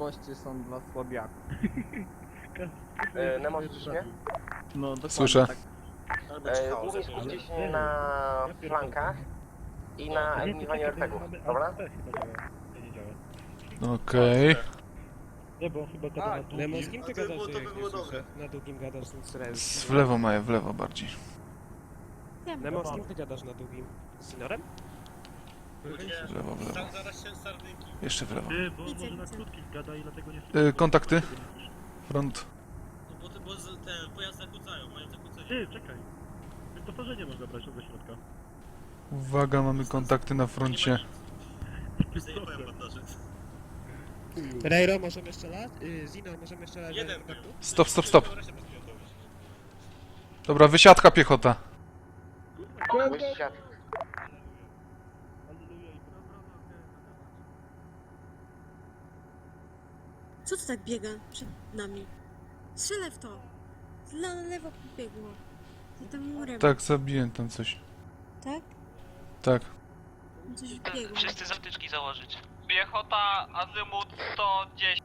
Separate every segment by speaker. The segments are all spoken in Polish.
Speaker 1: Goście są dla słabiaków.
Speaker 2: Nemo, słyszysz mnie?
Speaker 1: No dokładnie
Speaker 3: Słyszę.
Speaker 1: tak.
Speaker 2: Głównie skupcie się na flankach i na eliminowaniu RPGów, dobra?
Speaker 3: Okej.
Speaker 4: Nie, bo on chyba gada na długim.
Speaker 5: Nemo, z kim ty gadasz, jak nie słyszę? Na długim gadasz.
Speaker 3: W lewo Maja, w lewo bardziej.
Speaker 5: Nemo, z kim ty gadasz na długim? Z Sinorem?
Speaker 3: W lewo, w lewo.
Speaker 6: Tam zaraz się sardynki.
Speaker 3: Jeszcze w lewo.
Speaker 4: Ty, bo on może na krótkim gada i dlatego nie słyszę.
Speaker 3: Kontakty? Front.
Speaker 6: No bo te pojazdy zakłócają, mają zakłócenie.
Speaker 4: Ty, czekaj. Wyposażenie można brać od środka.
Speaker 3: Uwaga, mamy kontakty na froncie.
Speaker 6: Zajebałem bandaże.
Speaker 5: Rejro, możemy strzelać? Zino, możemy strzelać?
Speaker 6: Jeden.
Speaker 3: Stop, stop, stop. Dobra, wysiadka piechota.
Speaker 2: Wysiad.
Speaker 7: Co to tak biega przed nami? Strzelę w to! Na lewo pobiegło. I tam murem.
Speaker 3: Tak, zabiłem tam coś.
Speaker 7: Tak?
Speaker 3: Tak.
Speaker 7: Coś biegło.
Speaker 8: Wszyscy zatyczki założyć. Piechota, azymut 110.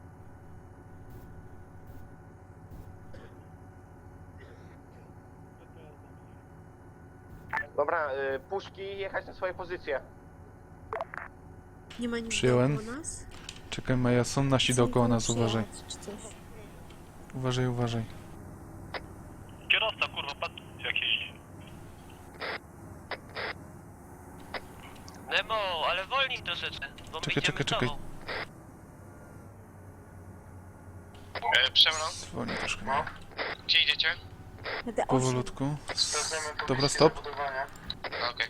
Speaker 2: Dobra, puszki jechać na swoje pozycje.
Speaker 7: Nie ma nic
Speaker 3: Przyjąłem.
Speaker 7: dookoła nas?
Speaker 3: Czekaj Maja, są nasi
Speaker 7: Chcę
Speaker 3: dookoła
Speaker 7: nikogo
Speaker 3: nas, uważaj.
Speaker 7: przyjechać, czy coś.
Speaker 3: Uważaj, uważaj.
Speaker 8: Kierowca, kurwa, patrz jak jeździ. Nemo, ale wolniej troszeczkę, bo my
Speaker 3: Czekaj,
Speaker 8: idziemy
Speaker 3: czekaj,
Speaker 8: z tobą.
Speaker 6: Przemrą,
Speaker 3: Zwolnij troszkę. Maja.
Speaker 6: gdzie idziecie?
Speaker 7: Będę
Speaker 3: Powolutku. Dobra, stop.
Speaker 6: Okej.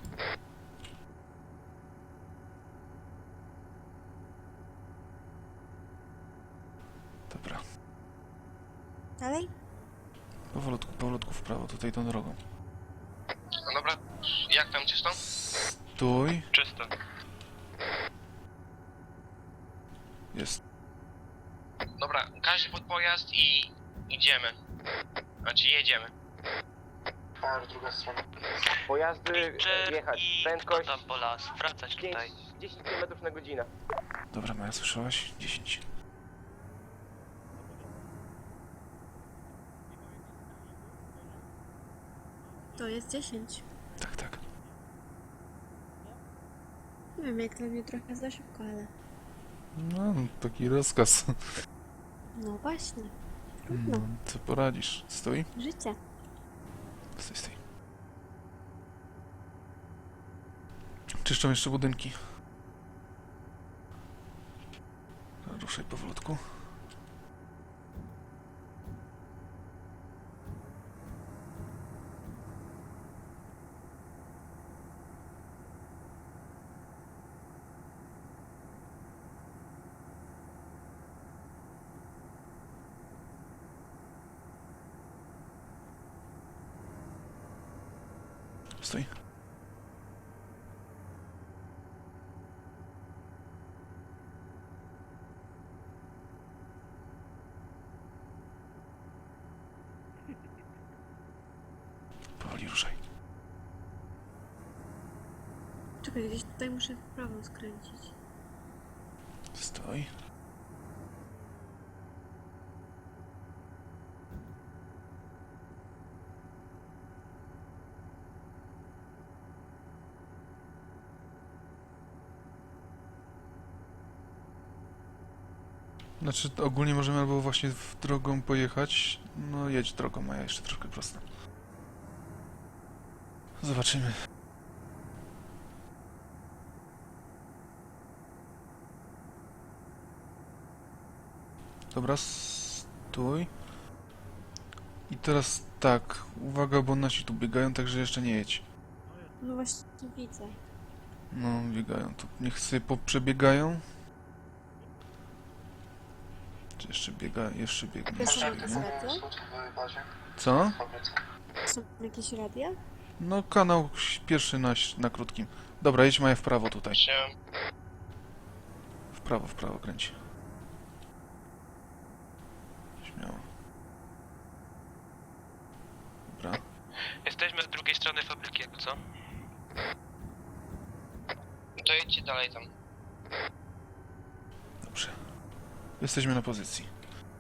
Speaker 3: Dobra.
Speaker 7: Dalej?
Speaker 3: Powolutku, powolutku w prawo, tutaj tą drogą.
Speaker 6: No dobra, jak tam czysto?
Speaker 3: Stój.
Speaker 8: Czysto.
Speaker 3: Jest.
Speaker 6: Dobra, każdy pod pojazd i idziemy. Znaczy jedziemy. Druga strona.
Speaker 2: Pojazdy
Speaker 8: Pitcher
Speaker 2: jechać.
Speaker 8: i
Speaker 2: Prędkość
Speaker 8: tam po las, wracać
Speaker 2: 5,
Speaker 8: tutaj.
Speaker 2: 10 km na godzinę.
Speaker 3: Dobra, Maja, słyszałaś? 10.
Speaker 7: To jest 10.
Speaker 3: Tak, tak.
Speaker 7: Nie wiem, jak dla mnie trochę za szybko, ale...
Speaker 3: No, taki rozkaz.
Speaker 7: No właśnie. Trudno.
Speaker 3: Co poradzisz? Stój.
Speaker 7: Życie.
Speaker 3: Stój, stój. Czyszczą jeszcze budynki. Ruszaj powolutku. Stój. Powoli ruszaj.
Speaker 7: Czekaj, gdzieś tutaj muszę w prawo skręcić.
Speaker 3: Stój. Znaczy, ogólnie możemy albo właśnie w drogą pojechać. No, jedź drogą, Maja, jeszcze troszkę prosto. Zobaczymy. Dobra, stój. I teraz tak, uwaga, bo nasi tu biegają, także jeszcze nie jedź.
Speaker 7: No właśnie widzę.
Speaker 3: No, biegają tu. Niech sobie poprzebiegają. Czy jeszcze biega, jeszcze biegnie.
Speaker 7: To są
Speaker 3: Jeszcze
Speaker 7: jakieś
Speaker 3: biegnie.
Speaker 7: radia?
Speaker 3: Co?
Speaker 7: Są jakieś radia?
Speaker 3: No, kanał pierwszy na krótkim. Dobra, jedź Maja w prawo tutaj. W prawo kręci. Śmiało. Dobra.
Speaker 8: Jesteśmy z drugiej strony fabryki, jakby co?
Speaker 6: To jedźcie dalej tam.
Speaker 3: Dobrze. Jesteśmy na pozycji.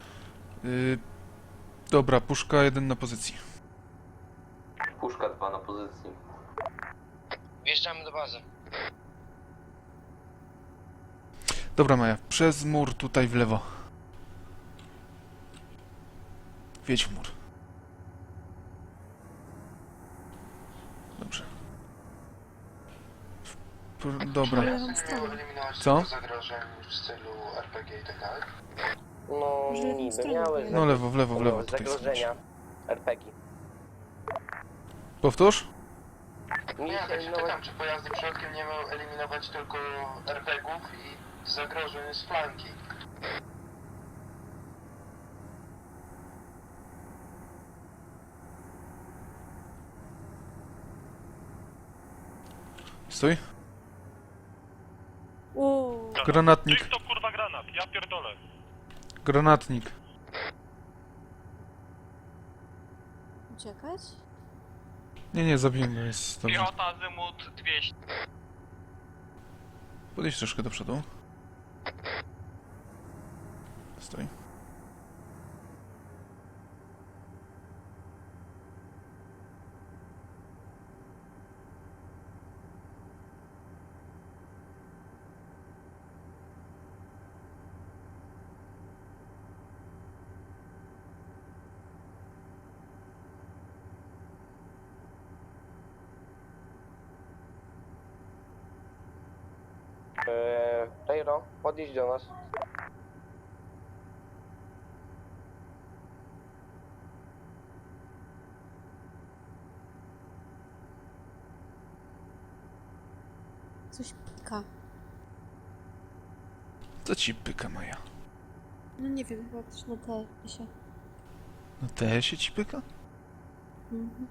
Speaker 3: Dobra, puszka 1 na pozycji.
Speaker 2: Puszka 2 na pozycji.
Speaker 6: Wjeżdżamy do bazy.
Speaker 3: Dobra, Maja, przez mur tutaj w lewo. Wjedź w mur. Dobrze. Dobra.
Speaker 7: Lewą stronę.
Speaker 3: Co?
Speaker 9: Zagrożeń w stylu RPG i tak dalej.
Speaker 2: No,
Speaker 7: Może lewą
Speaker 2: niby
Speaker 7: stronę
Speaker 2: miały
Speaker 7: pojedziemy.
Speaker 3: No lewo, w lewo, w lewo. Tutaj
Speaker 2: zagrożenia
Speaker 3: są.
Speaker 2: RPG.
Speaker 3: Powtórz?
Speaker 9: Nie, tak się pytam, czy pojazdy przodkiem nie mają eliminować tylko RPG-ów i zagrożeń z flanki.
Speaker 3: Stój.
Speaker 7: O,
Speaker 3: Granatnik.
Speaker 4: to kurwa granat, ja pierdolę.
Speaker 3: Granatnik.
Speaker 7: uciekać?
Speaker 3: Nie, zabiłem go, jest dobrze.
Speaker 8: Piechota azymut 200.
Speaker 3: Podejdź troszkę do przodu. Stój.
Speaker 2: Rejro, podjedź do nas.
Speaker 7: Coś pika.
Speaker 3: Co ci pyka, Maja?
Speaker 7: No nie wiem, chyba coś na TS-ie.
Speaker 3: Na TS-ie ci pyka?
Speaker 7: Mhm.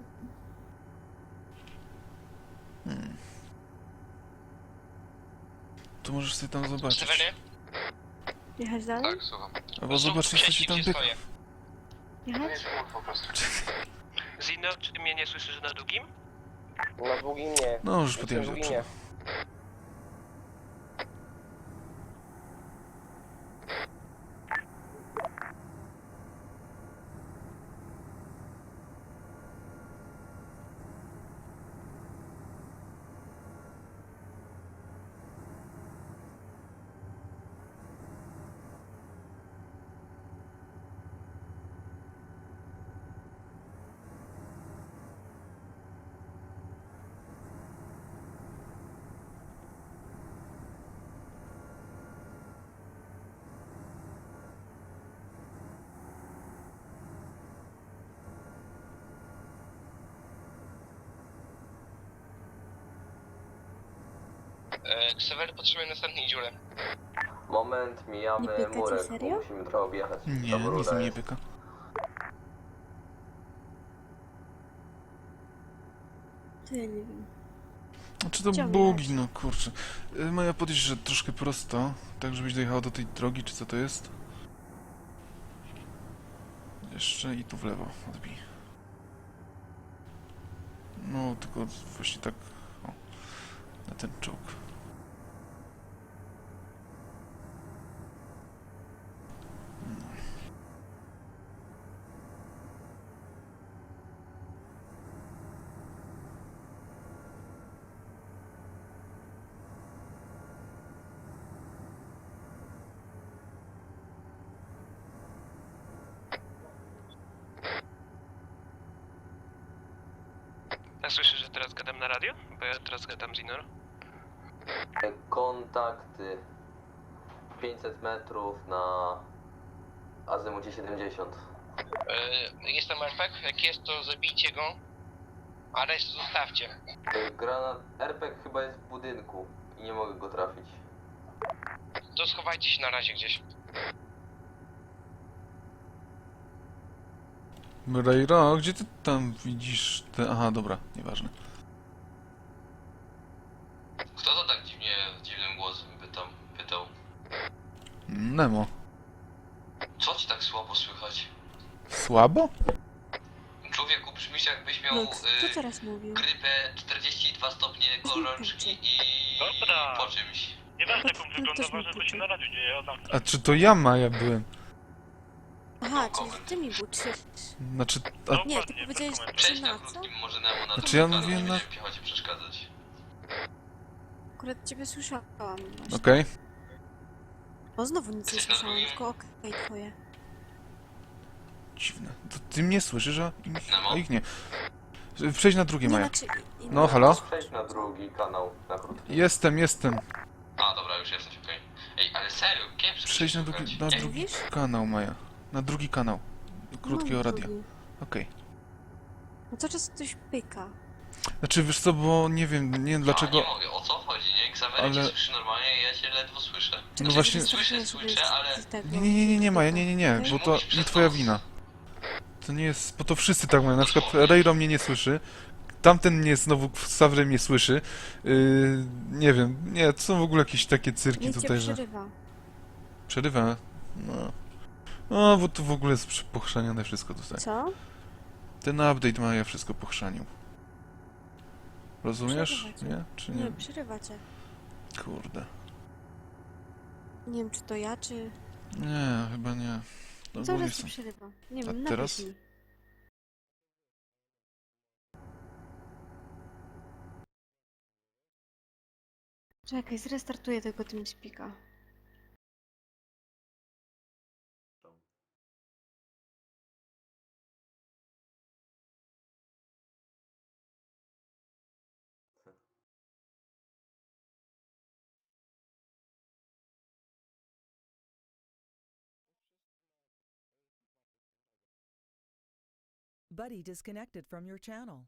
Speaker 3: To możesz sobie tam zobaczyć.
Speaker 6: Sewery?
Speaker 7: Jechać dalej?
Speaker 8: Tak, słucham.
Speaker 3: Albo zobaczyć, co ci tam pyka.
Speaker 9: To
Speaker 7: Jechać?
Speaker 9: jest mur po prostu.
Speaker 6: Zino, czy ty mnie nie słyszysz na długim?
Speaker 2: Na długim nie.
Speaker 3: No, już
Speaker 2: Jestem
Speaker 3: podjechać do
Speaker 2: długim
Speaker 3: przodu.
Speaker 2: nie.
Speaker 6: Sewery potrzebuje następnej dziury.
Speaker 2: Moment,
Speaker 7: Nie
Speaker 2: mijamy
Speaker 7: pyka cię
Speaker 2: murek,
Speaker 7: serio?
Speaker 2: bo musimy trochę objechać.
Speaker 3: Nie,
Speaker 2: Tam
Speaker 3: nic
Speaker 2: rura
Speaker 3: mi nie
Speaker 2: jest.
Speaker 3: pyka.
Speaker 7: To ja nie wiem.
Speaker 3: Czy to
Speaker 7: Chciałam
Speaker 3: bugi,
Speaker 7: jechać.
Speaker 3: no kurczę. Maja, podejść, że troszkę prosto, tak żebyś dojechała do tej drogi, czy co to jest? Jeszcze i tu w lewo odbij. No, tylko właśnie tak, o, na ten czołg.
Speaker 6: A słyszysz, że teraz gadam na radio? Bo ja teraz gadam z Inor.
Speaker 2: Kontakty 500 metrów na azymucie 70.
Speaker 6: Jestem RPG, jak jest to zabijcie go, a resztę zostawcie.
Speaker 2: Granat RPG chyba jest w budynku i nie mogę go trafić.
Speaker 6: To schowajcie się na razie gdzieś.
Speaker 3: Rejra, gdzie ty tam widzisz te... Aha, dobra, nieważne.
Speaker 10: Kto to tak dziwnym głosem pytał?
Speaker 3: Nemo.
Speaker 10: Co ci tak słabo słychać?
Speaker 3: Słabo?
Speaker 10: Człowieku, brzmisz jakbyś miał
Speaker 7: No, co teraz mówił?
Speaker 10: grypę 42 stopnie gorączki i
Speaker 4: Dobra.
Speaker 10: po czymś.
Speaker 4: Nieważne jak on
Speaker 7: No,
Speaker 4: wygląda,
Speaker 7: też mi
Speaker 4: ważne co się na radiu dzieje, Adam.
Speaker 3: A czy to ja, Maja, byłem?
Speaker 7: Aha, czyli ty mi buczysz.
Speaker 3: Znaczy, a,
Speaker 7: Nie, ty powiedziałeś,
Speaker 10: Przejdź
Speaker 7: że
Speaker 10: na
Speaker 7: na co?
Speaker 10: krótkim, może na
Speaker 3: Znaczy,
Speaker 10: drugi
Speaker 3: ja
Speaker 10: kanał,
Speaker 3: mówię
Speaker 10: nie
Speaker 3: na-
Speaker 10: będziemy piechocie przeszkadzać.
Speaker 7: Akurat ciebie słyszałam właśnie.
Speaker 3: okej.
Speaker 7: O, znowu nic nie
Speaker 10: Jesteś na
Speaker 7: słyszałam,
Speaker 10: drugim?
Speaker 7: tylko okej twoje.
Speaker 3: Dziwne. To ty mnie słyszysz,
Speaker 10: Nemo?
Speaker 3: a ich nie. Przejdź na drugie,
Speaker 7: Nie,
Speaker 3: Maja.
Speaker 7: znaczy...
Speaker 3: No, halo?
Speaker 9: Przejdź na drugi kanał, na krótki.
Speaker 3: Jestem.
Speaker 10: A, dobra, już jesteś, okej. Ej, ale serio, kiepsko
Speaker 3: Przejdź
Speaker 10: się
Speaker 3: na drugi,
Speaker 10: słychać.
Speaker 3: na
Speaker 10: Nie,
Speaker 3: drugi
Speaker 7: Mówisz?
Speaker 3: kanał, Maja. Na drugi kanał. Krótkiego
Speaker 7: Mam
Speaker 3: radia.
Speaker 7: drugi.
Speaker 3: Okej.
Speaker 7: No cały czas coś pyka.
Speaker 3: Znaczy, wiesz co, bo nie wiem dlaczego...
Speaker 10: A, nie mogę, o co chodzi, nie? Xavery
Speaker 3: Ale-
Speaker 10: cię słyszy normalnie, ja cię ledwo słyszę.
Speaker 3: No właśnie...
Speaker 10: Słyszę, ale...
Speaker 3: Nie, Maja, nie, bo to nie twoja wina. To nie jest, bo to wszyscy tak mają. Na przykład Rejro mnie nie słyszy. Tamten mnie znowu Savry mnie słyszy. Nie wiem, nie, to są w ogóle jakieś takie cyrki
Speaker 7: Nie cię
Speaker 3: tutaj, że...
Speaker 7: przerywa.
Speaker 3: Przerywa? No. No, bo to w ogóle jest pochrzanione wszystko tutaj.
Speaker 7: Co?
Speaker 3: Ten update Maja wszystko pochrzanił. Rozumiesz?
Speaker 7: Przerywa cię.
Speaker 3: Nie? Czy
Speaker 7: Nie,
Speaker 3: nie?
Speaker 7: przerywa cię.
Speaker 3: Kurde.
Speaker 7: Nie wiem, czy to ja, czy...
Speaker 3: Nie, chyba nie. No,
Speaker 7: Cały
Speaker 3: ogólnie
Speaker 7: czas ci
Speaker 3: są.
Speaker 7: przerywa. Nie
Speaker 3: A
Speaker 7: wiem,
Speaker 3: teraz?
Speaker 7: napisz mi. Czekaj, zrestartuję tego TeamSpeaka.
Speaker 11: Buddy disconnected from your channel.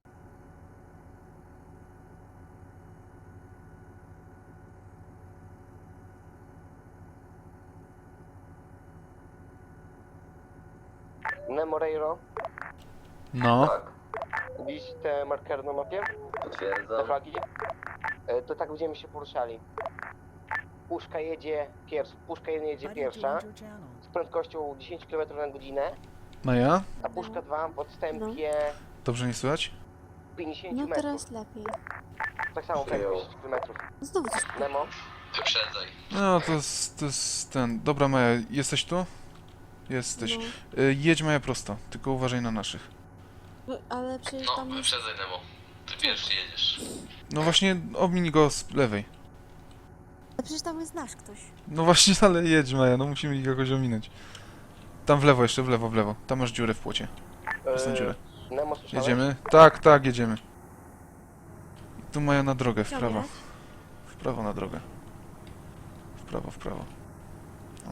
Speaker 2: Nemo Reiro,
Speaker 3: No.
Speaker 9: Tak,
Speaker 2: widzisz te markery na mapie? Te
Speaker 9: potwierdzam.
Speaker 2: flagi? To tak będziemy się poruszali. Puszka jedzie
Speaker 11: Buddy
Speaker 2: pierwsza
Speaker 11: joined your channel.
Speaker 2: z prędkością 10 km na godzinę,
Speaker 3: Maja?
Speaker 2: a puszka 2 w odstępie
Speaker 3: Dobrze nie słychać?
Speaker 2: 50
Speaker 7: No
Speaker 2: metrów.
Speaker 7: teraz lepiej.
Speaker 2: Tak samo prędkość 10 km.
Speaker 7: Znowu coś pyka.
Speaker 2: Nemo,
Speaker 10: Wyprzedzaj.
Speaker 3: No, to jest ten... Dobra, Maja, jesteś tu? Jesteś.
Speaker 7: No,
Speaker 3: Jedź, Maja, prosto. Tylko uważaj na naszych.
Speaker 7: no, ale przecież
Speaker 10: No,
Speaker 7: tam jest...
Speaker 10: wyprzedzaj, Nemo. Ty pierwszy jedziesz.
Speaker 3: No właśnie, omiń go z lewej.
Speaker 7: Ale przecież tam jest nasz ktoś.
Speaker 3: No właśnie, ale jedź, Maja, no musimy ich jakoś ominąć. Tam w lewo jeszcze, w lewo. Tam masz dziurę w płocie. Przez tę dziurę.
Speaker 2: Nemo słyszałeś?
Speaker 3: Jedziemy? Tak, jedziemy. I tu Maja na drogę, w
Speaker 7: Chciał
Speaker 3: prawo.
Speaker 7: jechać?
Speaker 3: W prawo na drogę. W prawo. O.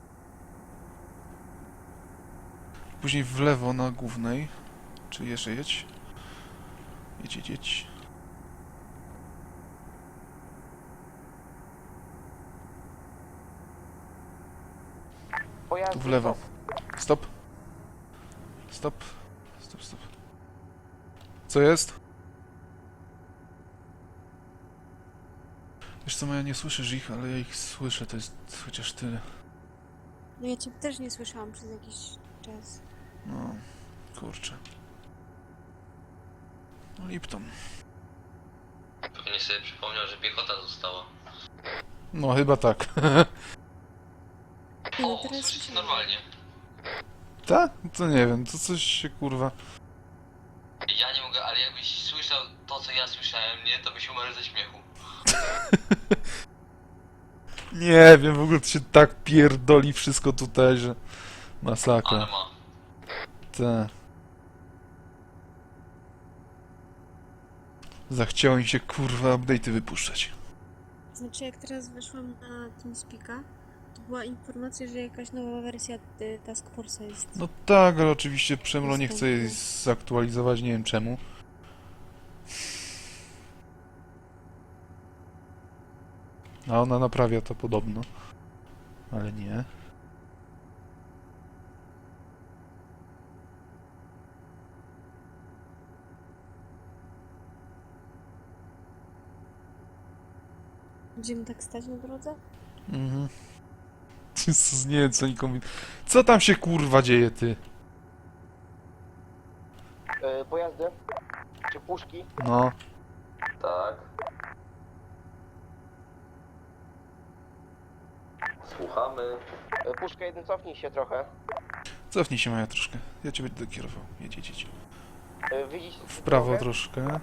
Speaker 3: Później w lewo na głównej. Czy jeszcze jedź? Jedź.
Speaker 2: Pojazdy
Speaker 3: Tu w lewo.
Speaker 2: stop.
Speaker 3: Stop. Co jest? Wiesz co, Maja, nie słyszysz ich, ale ja ich słyszę, to jest chociaż tyle.
Speaker 7: No ja cię też nie słyszałam przez jakiś czas.
Speaker 3: No, kurczę. No Lipton.
Speaker 10: Pewnie sobie przypomniał, że piechota została.
Speaker 3: No, chyba tak.
Speaker 7: Nie, no
Speaker 10: O,
Speaker 7: teraz
Speaker 10: słyszycie
Speaker 7: słyszałam.
Speaker 10: normalnie.
Speaker 3: Tak? To nie wiem, to coś się kurwa...
Speaker 10: Ja nie mogę, ale jakbyś słyszał to, co ja słyszałem, nie, to byś umarł ze śmiechu.
Speaker 3: Nie wiem, w ogóle to się tak pierdoli wszystko tutaj, że... Masakra.
Speaker 10: Ale ma.
Speaker 3: Te. Zachciało mi się kurwa update'y wypuszczać.
Speaker 7: Znaczy jak teraz weszłam na TeamSpeaka, to była informacja, że jakaś nowa wersja Task Force'a jest.
Speaker 3: No tak, ale oczywiście Przemlo nie chce jej
Speaker 7: Dostępne.
Speaker 3: zaktualizować, nie wiem czemu. A ona naprawia to podobno. Ale nie.
Speaker 7: Będziemy tak stać na drodze?
Speaker 3: Mhm. Jezus, nie wiem co nikomu... Co tam się kurwa dzieje, ty?
Speaker 2: Pojazdy? Czy puszki?
Speaker 3: No.
Speaker 9: Tak.
Speaker 10: Słuchamy.
Speaker 2: Puszka 1, cofnij się trochę.
Speaker 3: Cofnij się Maja troszkę. Ja cię będę kierował. Jedź, jedź, jedź.
Speaker 2: Widzisz
Speaker 3: W prawo
Speaker 2: drogę?
Speaker 3: troszkę.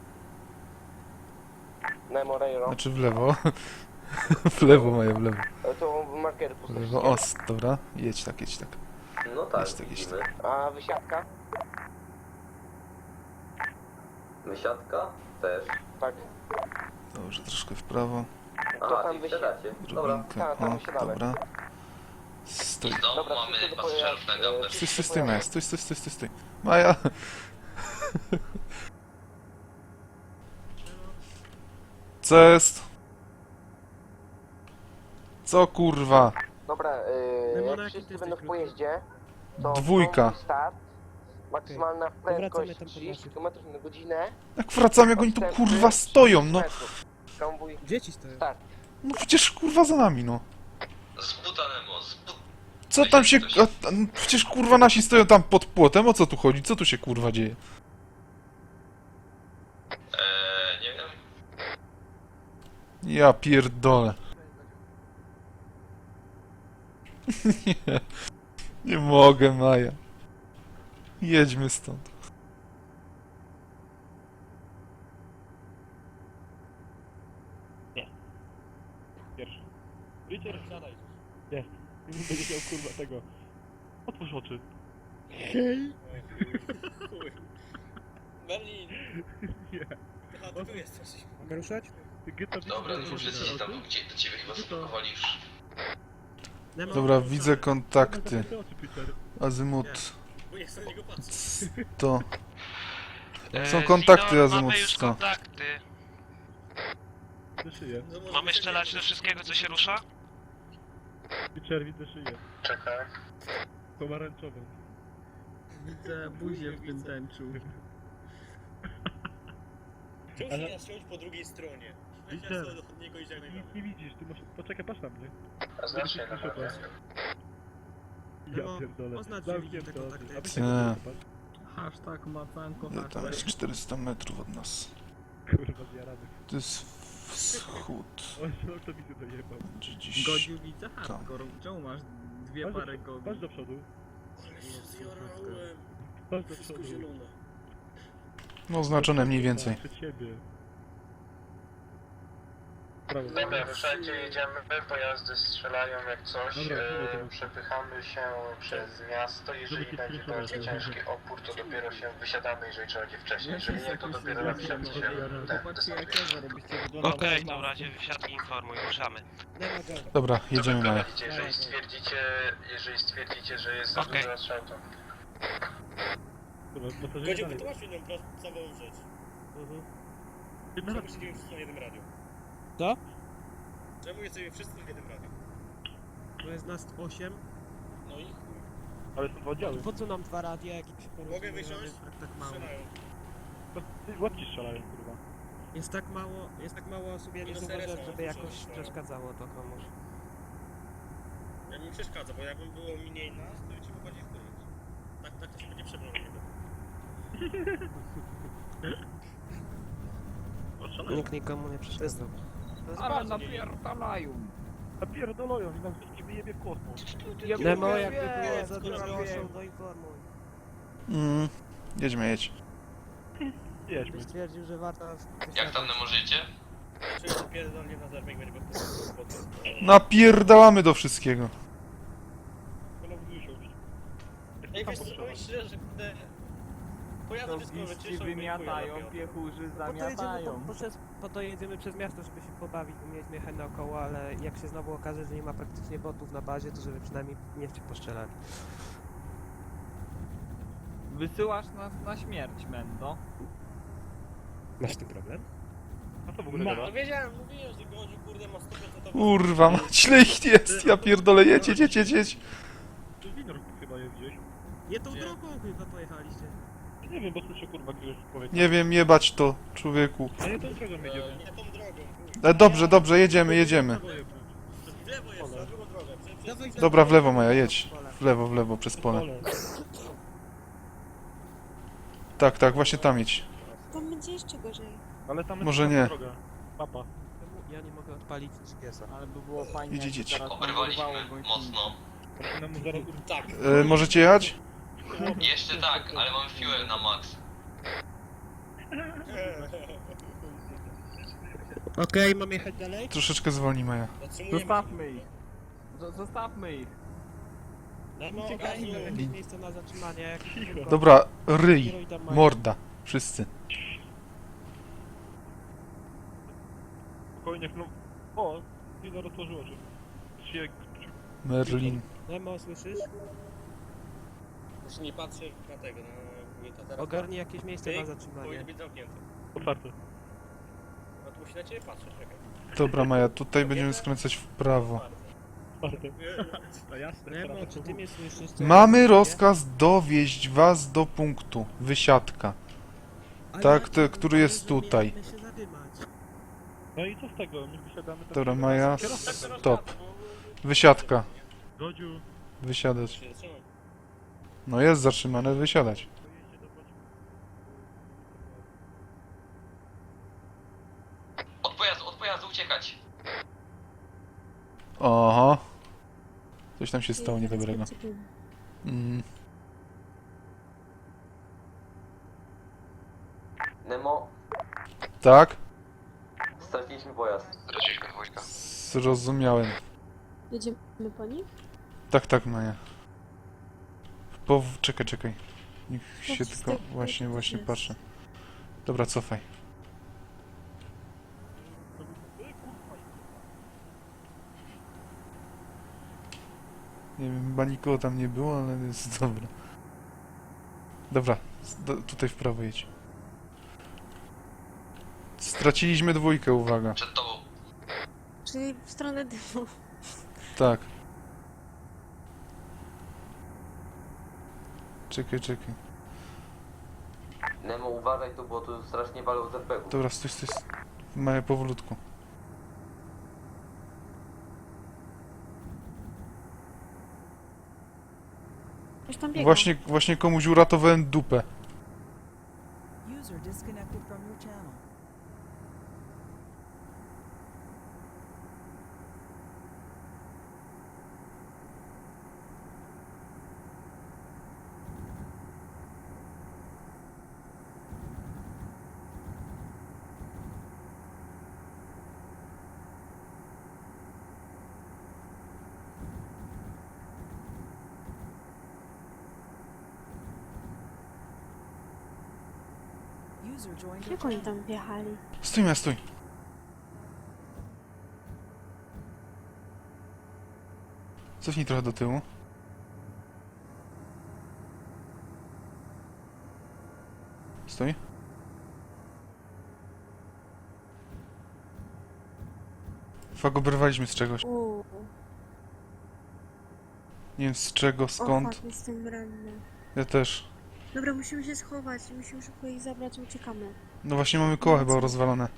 Speaker 2: Nemo, Rejro.
Speaker 3: Znaczy w lewo. W lewo Maja, w lewo.
Speaker 2: To markery
Speaker 3: W
Speaker 2: puste.
Speaker 3: lewo. O, dobra. Jedź tak, jedź tak.
Speaker 10: No tak,
Speaker 3: Jest tak, jest
Speaker 10: widzimy.
Speaker 2: A wysiadka?
Speaker 10: Wysiadka? Też.
Speaker 2: Tak.
Speaker 3: Dobrze, troszkę w prawo.
Speaker 2: To
Speaker 10: Aha,
Speaker 2: tam
Speaker 10: czyli
Speaker 2: wysiadka.
Speaker 10: wsiadacie. Dobra.
Speaker 3: Drobinkę.
Speaker 2: Tak, tam
Speaker 3: O,
Speaker 2: wysiadamy.
Speaker 3: dobra. Stój.
Speaker 10: W domu
Speaker 2: Dobra,
Speaker 10: mamy
Speaker 2: wszyscy do
Speaker 10: pasażerów
Speaker 2: pojazdu.
Speaker 10: na gapę.
Speaker 3: Stój, stój, stój, Maja. Stój, stój, stój, stój, stój. Maja! Co jest? Co kurwa?
Speaker 2: Dobra,
Speaker 5: Nemo, na
Speaker 2: jak
Speaker 5: jakim
Speaker 2: wszyscy
Speaker 5: ty
Speaker 2: będą w
Speaker 5: jesteś
Speaker 2: pojeździe, to
Speaker 3: Dwójka.
Speaker 2: start, maksymalna prędkość
Speaker 5: tam po
Speaker 2: 30
Speaker 5: naszych.
Speaker 2: km na godzinę.
Speaker 3: Jak wracam, jak oni tu kurwa stoją, no.
Speaker 2: Konwój
Speaker 5: Dzieci stoją.
Speaker 2: start.
Speaker 3: No przecież kurwa za nami, no.
Speaker 10: Z buta Nemo, z buta.
Speaker 3: Co tam się... przecież kurwa nasi stoją tam pod płotem, o co tu chodzi? Co tu się kurwa dzieje?
Speaker 10: Nie wiem.
Speaker 3: Ja pierdolę. Nie. Nie mogę, Maja. Jedźmy stąd.
Speaker 4: Pierwszy. Richard, siadaj. Jest. Nie będzie miał kurwa tego. Otwórz oczy.
Speaker 5: Hej!
Speaker 6: Berlin!
Speaker 4: Nie.
Speaker 6: Aha, ty tu jesteś.
Speaker 5: Mogę ruszać?
Speaker 4: Geta
Speaker 10: Dobra, to wszyscy tam gdzie do ciebie chyba zablokowali już.
Speaker 5: Nemo,
Speaker 3: Dobra, widzę kontakty.
Speaker 4: Zamknij oczy, Peter.
Speaker 3: Azymut
Speaker 6: Bo nie chcę na niego patrzeć.
Speaker 3: 100. Są kontakty,
Speaker 8: Zino,
Speaker 3: Azymut
Speaker 8: mamy już
Speaker 3: 100.
Speaker 8: kontakty.
Speaker 4: Widzę szyję.
Speaker 8: Mamy strzelać do wszystkiego, co się rusza?
Speaker 4: Peter, widzę szyję.
Speaker 9: Czekaj.
Speaker 4: Pomarańczową.
Speaker 5: Widzę buzię w tym tęczu.
Speaker 6: Czemu
Speaker 4: Ale-
Speaker 6: się nas siąść po drugiej stronie? Weź
Speaker 4: Peter,
Speaker 6: nas do niego i
Speaker 4: Ty
Speaker 6: żegnaj.
Speaker 4: nic nie widzisz, ty masz... Poczekaj, patrz na mnie.
Speaker 9: A znasz się na
Speaker 4: Proszę,
Speaker 9: pewno.
Speaker 5: No,
Speaker 4: Ja pierdolę.
Speaker 5: oznacz, że
Speaker 4: Zamknięte
Speaker 5: widzę te
Speaker 4: oczy.
Speaker 5: kontakty.
Speaker 4: A wy się
Speaker 3: Nie.
Speaker 4: popatrz.
Speaker 5: Hashtag macanko,
Speaker 3: No, tam jest 400 metrów od nas.
Speaker 4: Kurwa, zjarany.
Speaker 3: To jest wschód.
Speaker 4: Oj, no to widzę dojebał.
Speaker 3: Gdzie dziś...
Speaker 5: Godziu widzę
Speaker 3: Tam.
Speaker 5: hardcore. Czemu masz dwie
Speaker 4: Patrz
Speaker 5: pary
Speaker 4: do,
Speaker 5: gogi?
Speaker 4: patrz do przodu.
Speaker 6: Ale się zjarałem.
Speaker 4: Patrz do
Speaker 6: Wszystko
Speaker 4: przodu.
Speaker 6: zielone.
Speaker 3: No oznaczone mniej więcej.
Speaker 4: Przed siebie. Prawo.
Speaker 9: Dobra, ruszajcie, jedziemy, pojazdy strzelają jak coś,
Speaker 4: Dobra, dobra.
Speaker 9: przepychamy się przez miasto, jeżeli
Speaker 4: Żeby
Speaker 9: będzie
Speaker 4: kilku
Speaker 9: bardzo
Speaker 4: metrów.
Speaker 9: ciężki opór, to dopiero się wysiadamy, jeżeli trzeba będzie wcześniej, jeżeli nie, to dopiero na wsiadce się desantuje.
Speaker 8: Okej, to w razie wysiadki informuj, ruszamy.
Speaker 5: Nemo, go.
Speaker 3: Dobra,
Speaker 9: To
Speaker 3: jedziemy Maja.
Speaker 9: wyprowadzicie, jeżeli stwierdzicie, że jest za
Speaker 8: Okej.
Speaker 9: dużo strzał, to
Speaker 4: Kurwa, pasażerowie
Speaker 6: Godziu,
Speaker 4: dalej.
Speaker 6: wytłumacz mi nam prostą rzecz.
Speaker 4: Jedna
Speaker 6: Czemu siedzimy wszyscy na jednym radiu?
Speaker 5: Co?
Speaker 6: Czemu jesteśmy wszyscy w jednym radiu?
Speaker 5: To jest nas 8.
Speaker 6: No i chuj.
Speaker 4: Ale są dwa oddziały.
Speaker 5: Po co nam dwa radia, jak ich się
Speaker 6: Mogę wysiąść?
Speaker 5: tak mało.
Speaker 6: Strzelają.
Speaker 4: Łapci strzelają, kurwa.
Speaker 5: Jest tak mało osób, ja nie
Speaker 6: Minus
Speaker 5: zauważyłem,
Speaker 6: RS-a,
Speaker 5: żeby jakoś
Speaker 6: słyszałem.
Speaker 5: przeszkadzało to komuś.
Speaker 6: Ja mi przeszkadza, bo jakby było mniej nas, to bym ci mógł bardziej wkurzyć. Tak to się będzie przebrał na niego.
Speaker 4: Oszalają.
Speaker 5: Nikt nikomu nie przeszkadzał.
Speaker 1: Ale napierdalają.
Speaker 4: Napierdolują i nam wszystkich wyjebie w kosmos.
Speaker 5: Nemo, jakby było za dużo osób, to informuj.
Speaker 3: Jedźmy.
Speaker 4: Jedźmy.
Speaker 5: Stwierdził, że warto...
Speaker 10: Jak tam Nemo żyjecie?
Speaker 6: Czuję, że pierdolnie na zerwek będzie po prostu.
Speaker 3: Napierdalamy do wszystkiego.
Speaker 4: Wolałbym usiąść.
Speaker 6: Ej, wiesz co, powiem szczerze, że kurde... Pojazdy wszystko wyczyszczą i
Speaker 1: wymiatają,
Speaker 6: chuja
Speaker 1: piechurzy
Speaker 5: Po to, jedziemy,
Speaker 1: zamiatają.
Speaker 5: po to jedziemy przez miasto, żeby się pobawić, umieć jechać naokoło, ale jak się znowu okaże, że nie ma praktycznie botów na bazie, to żeby przynajmniej nie cię postrzelali.
Speaker 1: Wysyłasz nas na śmierć, Mendo.
Speaker 5: Masz z tym problem?
Speaker 4: A co w ogóle
Speaker 6: No,
Speaker 4: gada?
Speaker 6: no wiedziałem, mówiłem, że Godziu kurde ma 100%
Speaker 3: Kurwa, mać, ile ich jest? Ja pierdolę, jedź.
Speaker 4: To winor chyba jest gdzieś.
Speaker 5: Nie tą
Speaker 6: Gdzie?
Speaker 5: drogą chyba pojechaliście.
Speaker 4: Nie wiem, bo słyszę kurwa gdzieś powiedz.
Speaker 3: Nie wiem, jebać to, człowieku.
Speaker 4: A nie tą drogą jedziemy.
Speaker 6: Nie tą drogą, chuj.
Speaker 3: Dobrze, jedziemy.
Speaker 6: W lewo jest, na drugą drogę.
Speaker 3: Dobra, w lewo Maja, jedź. W lewo, przez pole. Tak, właśnie tam jedź.
Speaker 7: Tam będzie jeszcze gorzej.
Speaker 4: Ale tam jest
Speaker 3: Może
Speaker 4: taka
Speaker 3: nie.
Speaker 4: droga. Mapa.
Speaker 5: Ja nie mogę odpalić GPS-a.
Speaker 1: Ale by było fajnie,
Speaker 3: Idź,
Speaker 1: jakby
Speaker 3: idź.
Speaker 1: teraz nam
Speaker 10: Oberwaliśmy
Speaker 1: urwało gąsienicę.
Speaker 10: mocno.
Speaker 4: Nemo zaraz...
Speaker 6: Tak.
Speaker 3: Możecie jechać?
Speaker 10: Jeszcze tak, ale mamy fuel na max.
Speaker 5: Okej, mam jechać dalej?
Speaker 3: Troszeczkę zwolni Maja.
Speaker 6: Zatrzymujemy.
Speaker 1: Zostawmy ich. Zostawmy ich.
Speaker 5: Nemo,
Speaker 1: Uciekajmy.
Speaker 5: ogarnij jakieś miejsce na zatrzymanie. Jak
Speaker 3: Dobra, ryj,
Speaker 5: Kieruj tam Maja.
Speaker 3: morda, wszyscy.
Speaker 4: Spokojnie, no... O! Chwila rozłożyło się. Się...
Speaker 3: Merlin.
Speaker 5: Nemo, słyszysz?
Speaker 6: Już nie patrzę na tego, na wójta. Teraz
Speaker 5: Ogarnij jakieś miejsce na
Speaker 6: powinien
Speaker 5: zatrzymanie.
Speaker 6: być zamknięty.
Speaker 4: Otwarte.
Speaker 6: No to musi na ciebie patrzeć, czekaj.
Speaker 3: Dobra Maja, tutaj będziemy skręcać w prawo.
Speaker 4: Otwarte. No jasne.
Speaker 5: Nemo,
Speaker 4: teraz
Speaker 5: czy
Speaker 4: to
Speaker 5: ty mnie słyszysz? Co
Speaker 3: Mamy
Speaker 5: ja
Speaker 3: rozkaz dowieźć was do punktu. Wysiadka.
Speaker 5: Ale
Speaker 3: tak,
Speaker 5: ja
Speaker 3: ten, który jest
Speaker 5: że
Speaker 3: tutaj.
Speaker 5: mieliśmy się zadymać.
Speaker 4: No i co z tego? My wysiadamy tam...
Speaker 3: Dobra Maja,
Speaker 6: Tak,
Speaker 3: stop. Wysiadka.
Speaker 4: Godziu.
Speaker 3: Wysiadać.
Speaker 6: Się zatrzymam.
Speaker 3: No jest zatrzymane, wysiadać.
Speaker 10: Od pojazdu uciekać.
Speaker 3: Oho. Coś tam się stało niedobrego. Mm.
Speaker 10: Nemo,
Speaker 3: Tak?
Speaker 10: straciliśmy pojazd.
Speaker 9: Straciliśmy dwójkę.
Speaker 3: Zrozumiałem.
Speaker 7: Jedziemy po nich?
Speaker 3: Tak Maja. Czekaj. Niech się tylko... Właśnie patrzę. Dobra, cofaj. Nie wiem, chyba nikogo tam nie było, ale jest dobra. Dobra, tutaj w prawo jedź. Straciliśmy dwójkę, uwaga.
Speaker 10: Przed tobą.
Speaker 7: Czyli w stronę dymu.
Speaker 3: Tak. Czekaj.
Speaker 10: Nemo, uważaj tu, bo tu strasznie walą z RPG-ów.
Speaker 3: Dobra, stój. Maja, powolutku.
Speaker 7: Już tam biegam.
Speaker 3: Właśnie komuś uratowałem dupę.
Speaker 11: User disconnected from your channel. User joined your
Speaker 7: Jak oni
Speaker 11: channel.
Speaker 7: tam wjechali?
Speaker 3: Stój. Cofnij trochę do tyłu. Stój. Fak, oberwaliśmy z czegoś. Nie wiem z czego,
Speaker 7: O,
Speaker 3: skąd.
Speaker 7: fuck, jestem ranny.
Speaker 3: Ja też.
Speaker 7: Dobra, musimy się schować. Musimy szybko ich zabrać i uciekamy.
Speaker 3: No właśnie mamy koła chyba rozwalone.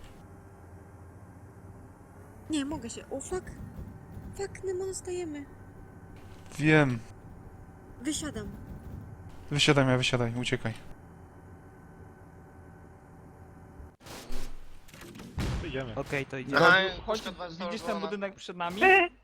Speaker 7: Nie, mogę się. O, fuck. Fuck, Nemo, dostajemy.
Speaker 3: Wiem.
Speaker 7: Wysiadam.
Speaker 3: Wysiadaj, uciekaj.
Speaker 4: Idziemy.
Speaker 5: Okej, to idziemy.
Speaker 9: Aha,
Speaker 1: Chodź,
Speaker 9: szkoda,
Speaker 1: widzisz ten
Speaker 9: zdążona.
Speaker 1: budynek przed nami?